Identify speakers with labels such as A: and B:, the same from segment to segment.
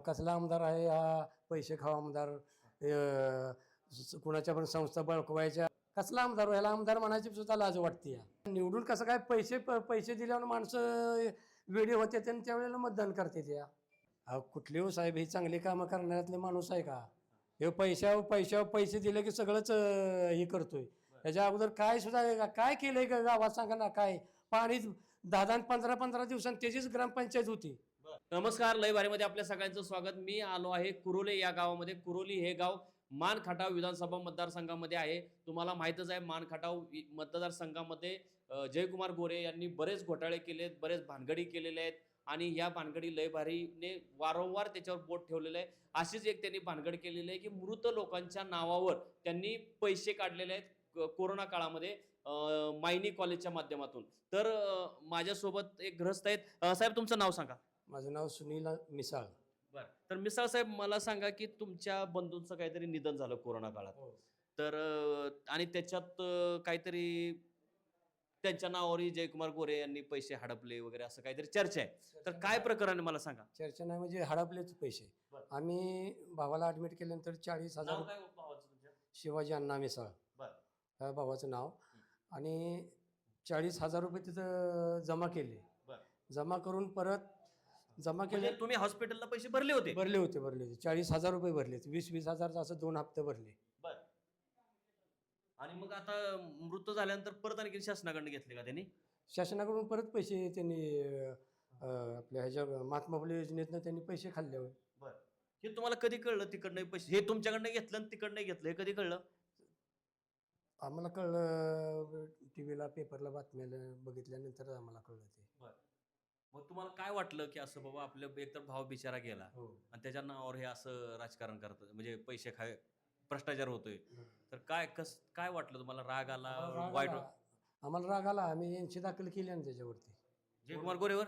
A: कसला आमदार आहे हा? पैसे खावा आमदार, कुणाच्या पण संस्था बळकवायच्या. कसला आमदार? ह्याला आमदार म्हणायची सुद्धा लाज वाटते या. निवडून कसं काय पैसे दिल्यावर माणसं वेळी होते आणि त्यावेळेला मतदान करते त्या. कुठले हो साहेब, ही चांगली कामं करण्यातले माणूस आहे का? हे पैशावर पैसे दिले की सगळंच हे करतोय. त्याच्या अगोदर काय सुद्धा काय केलंय का गावात सांगा ना? काय पाणी 10 15 दिवसांनी त्याचीच ग्रामपंचायत होती.
B: नमस्कार, लय भारीमध्ये आपल्या सगळ्यांचं स्वागत. मी आलो आहे कुरोली या गावामध्ये. कुरोली हे गाव मानखटाव विधानसभा मतदारसंघामध्ये आहे. तुम्हाला माहीतच आहे, मानखटाव मतदारसंघामध्ये जयकुमार गोरे यांनी बरेच घोटाळे केलेत, बरेच भानगडी केलेले आहेत आणि या भानगडी लय भारीने वारंवार त्याच्यावर बोट ठेवलेलं आहे. अशीच एक त्यांनी भानगड केलेली आहे की मृत लोकांच्या नावावर त्यांनी पैसे काढलेले आहेत कोरोना काळामध्ये मायनी कॉलेजच्या माध्यमातून. तर माझ्यासोबत एक ग्रस्त आहेत. साहेब, तुमचं नाव सांगा.
A: माझं नाव सुनील मिसाळ.
B: बरं. तर मिसाळ साहेब, मला सांगा की तुमच्या बंधूंचं काहीतरी निधन झालं कोरोना काळात. तर आणि त्याच्यात काहीतरी त्यांच्या नावावरही जयकुमार गोरे यांनी पैसे हडपले वगैरे असं काहीतरी चर्चा आहे. तर काय प्रकरण आहे मला सांगा.
A: चर्चा नाही म्हणजे हडपलेच पैसे. आम्ही भावाला ऍडमिट केल्यानंतर 40,000 शिवाजी अण्णा मिसाळ ह्या भावाचं नाव, आणि 40,000 रुपये तिथं जमा केले. जमा करून परत जमा केले.
B: तुम्ही हॉस्पिटलला पैसे भरले होते?
A: भरले होते 40,000 रुपये भरले. 20,000 असं 2 हप्ते भरले.
B: आणि मग आता मृत झाल्यानंतर परत आणखी शासनाकडे घेतले का त्यांनी?
A: शासनाकडून परत पैसे त्यांनी आपल्या ह्याच्या महात्मा फुले योजनेतनं त्यांनी पैसे खाल्ले.
B: हे तुम्हाला कधी कळलं तिकडनं पैसे हे तुमच्याकडनं घेतलं आणि तिकडनं घेतलं? हे कधी कळलं?
A: आम्हाला कळलं टीव्हीला पेपरला बातम्याला बघितल्यानंतर आम्हाला कळलं ते.
B: मग तुम्हाला काय वाटलं की असं बाबा आपलं एकतर भाव बिचारा गेला आणि त्याच्या नावावर हे असं राजकारण करतं, म्हणजे पैसे भ्रष्टाचार होतोय, तर काय वाटलं तुम्हाला? राग आला, वाईट?
A: आम्हाला राग आला. आम्ही यांची दाखल केली आणि त्याच्यावरती
B: जयकुमार गोरेवर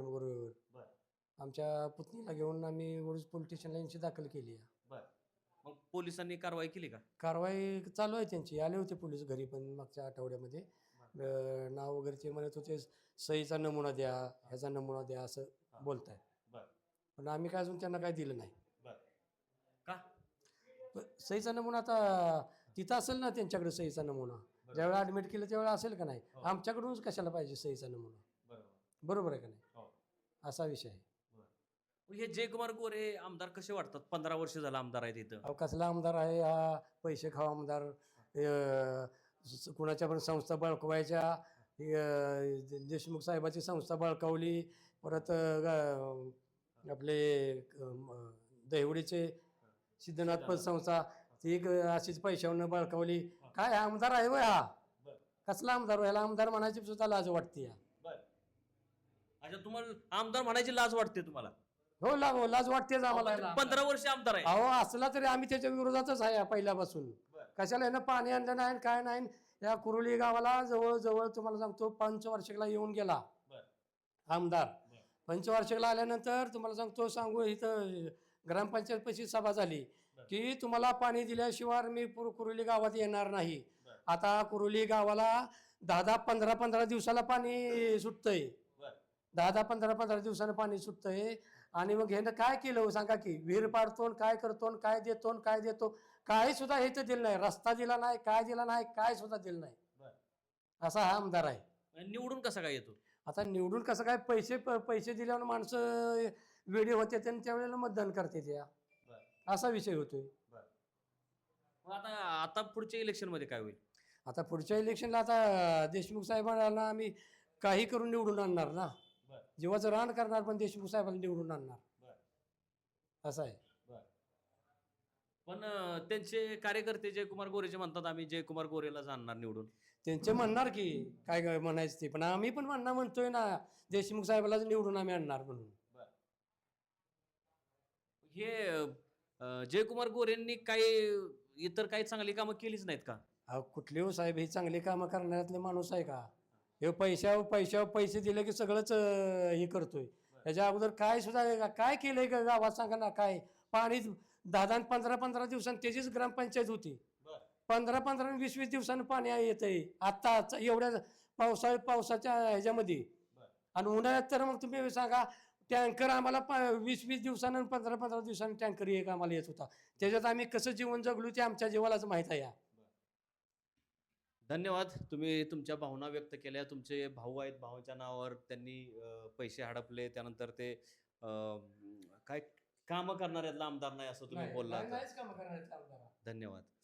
A: आमच्या पुतणीला घेऊन आम्ही वडूज पोलीस स्टेशनला यांची दाखल केली.
B: मग पोलिसांनी कारवाई केली का?
A: कारवाई चालू आहे त्यांची. आले होते पोलीस घरी पण मागच्या आठवड्यामध्ये. नाव वगैरे ते म्हणत होते सहीचा नमुना द्या, ह्याचा नमुना द्या असं बोलताय. पण आम्ही काय अजून त्यांना काय दिलं नाही.
B: का?
A: सहीचा नमुना आता तिथं असेल ना त्यांच्याकडे. सहीचा नमुना ज्यावेळेला ऍडमिट केलं त्यावेळेला असेल का नाही? आमच्याकडूनच कशाला पाहिजे सहीचा नमुना? बरोबर आहे का नाही? असा विषय आहे.
B: हे जयकुमार गोरे आमदार कसे वाटतात? 15 वर्ष झालं आमदार आहेत इथं.
A: कसला आमदार आहे हा? पैसे खावा आमदार, कुणाच्या पण संस्था बळकवायच्या. देशमुख साहेबाची संस्था बळकावली. परत आपले दहिवडीचे सिद्धनाथ पत संस्था ती अशीच पैशावरनं बळकावली. काय आमदार आहे वय हा? कसला आमदार? ह्याला आमदार म्हणायची सुद्धा लाज वाटते या.
B: अच्छा, तुम्हाला आमदार म्हणायची लाज वाटते तुम्हाला?
A: हो, लाज वाटतेच आम्हाला.
B: 15 वर्ष आमदार आहे.
A: अहो, असला तरी आम्ही त्याच्या विरोधातच आहे पहिल्यापासून. कशाला यानं पाणी आणलं नाही, काय नाही. या कुरोली गावाला जवळजवळ तुम्हाला सांगतो 5 येऊन गेला आमदार. 5 आल्यानंतर तुम्हाला सांगू इथं ग्रामपंचायत पैसे सभा झाली की तुम्हाला पाणी दिल्याशिवाय मी कुरोली गावात येणार नाही. आता कुरोली गावाला 10-15 दिवसाला पाणी सुटतंय. 10-15 दिवसानं पाणी सुटतंय. आणि मग ह्यानं काय केलं सांगा की? विहीर पाडतो, काय करतो, काय देतो, काही सुद्धा हे तर दिलं नाही. रस्ता दिला नाही, काय दिला नाही, काय सुद्धा दिलं नाही. असा हा आमदार आहे.
B: निवडून कसा काय येतो?
A: आता निवडून कसं काय? पैसे दिल्यावर माणसं वेळी होते आणि त्यावेळेला मतदान करते त्या. असा विषय होतोय.
B: आता पुढच्या इलेक्शन मध्ये काय होईल?
A: आता पुढच्या इलेक्शनला आता देशमुख साहेबांना आम्ही काही करून निवडून आणणार ना. जीवाचं रान करणार पण देशमुख साहेबांना निवडून आणणार. असं आहे.
B: पण त्यांचे कार्यकर्ते जयकुमार गोरेचे म्हणतात आम्ही जयकुमार गोरेला आणणार निवडून.
A: त्यांचे म्हणणार की काय म्हणायचं ते, पण आम्ही पण म्हणतोय ना देशमुख साहेबाला निवडून आम्ही आणणार म्हणून.
B: हे जयकुमार गोरेंनी इतर काही चांगली कामं केलीच नाहीत का?
A: कुठले हो साहेब, हे चांगली कामं करण्यातले माणूस आहे का? हे पैशावर पैसे दिले की सगळंच हे करतोय. त्याच्या अगोदर काय सुद्धा काय केलंय का गावात सांगा ना? काय पाणी 10-15 दिवसांनी त्याचीच ग्रामपंचायत होती. 15-20 दिवसांनी पाणी येतंय आता एवढ्या पावसाच्या ह्याच्यामध्ये. आणि उन्हाळ्यात तर मग तुम्ही सांगा टँकर आम्हाला 20-20 दिवसानं 15-15 दिवसांनी टँकर एक आम्हाला येत होता. त्याच्यात आम्ही कसं जीवन जगलो ते आमच्या जीवालाच माहीत आहे.
B: धन्यवाद. तुम्ही तुमच्या भावना व्यक्त केल्या. तुमचे भाऊ आहेत, भावाच्या नावावर त्यांनी पैसे हडपले. त्यानंतर ते काय कामं करणाऱ्यातला आमदार नाही असं तुम्ही बोलला.
A: नाहीच कामं करणार आहेत आमदार.
B: धन्यवाद.